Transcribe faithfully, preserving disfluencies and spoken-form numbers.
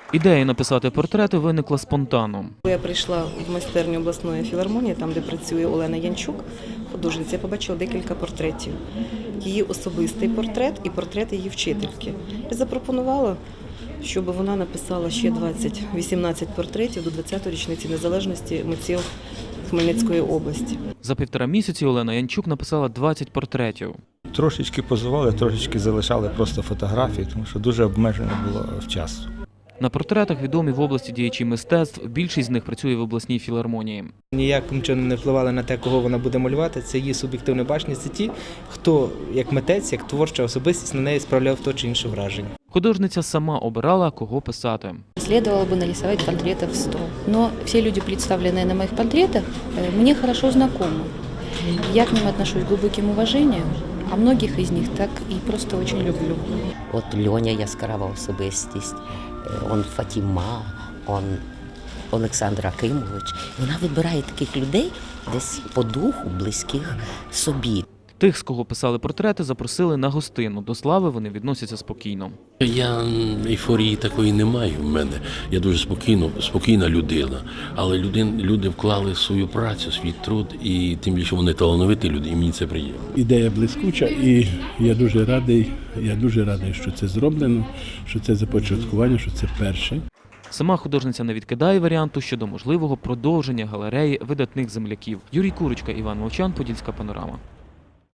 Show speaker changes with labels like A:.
A: Ідея написати портрети виникла спонтанно.
B: Я прийшла в майстерню обласної філармонії, там, де працює Олена Янчук, художниця, я побачила декілька портретів. Її особистий портрет і портрет її вчительки. Я запропонувала, щоб вона написала ще двадцять, вісімнадцять портретів до двадцятої річниці незалежності митців Хмельницької області.
A: За півтора місяці Олена Янчук написала двадцять портретів.
C: Трошечки позували, трошечки залишали просто фотографії, тому що дуже обмежено було в часу.
A: На портретах відомі в області діячі мистецтв, більшість з них працює в обласній філармонії.
D: Ніяким чином не впливали на те, кого вона буде малювати, це її суб'єктивне бачення, це ті, хто як митець, як творча особистість на неї справляв то чи інше враження.
A: Художниця сама обирала, кого писати.
E: Следовало бы нарисовать портретов сто. Но все люди, представленные на моих портретах, мне хорошо знакомы. Я к ним отношусь с глубоким уважением, а многих из них так и просто очень люблю.
F: От Льоня яскрава особистість, он Фатіма, он Олександр Акимович. Вона вибирає таких людей десь по духу, близьких собі.
A: Тих, з кого писали портрети, запросили на гостину. До слави вони відносяться спокійно.
G: Я ейфорії такої не маю в мене. Я дуже спокійно, спокійна людина. Але люди, люди вклали свою працю, свій труд, і тим більше вони талановиті люди, і мені це приємно.
H: Ідея блискуча, і я дуже радий, я дуже радий, що це зроблено, що це започаткування, що це перше.
A: Сама художниця не відкидає варіанту щодо можливого продовження галереї видатних земляків. Юрій Курочка, Іван Мовчан, Подільська панорама.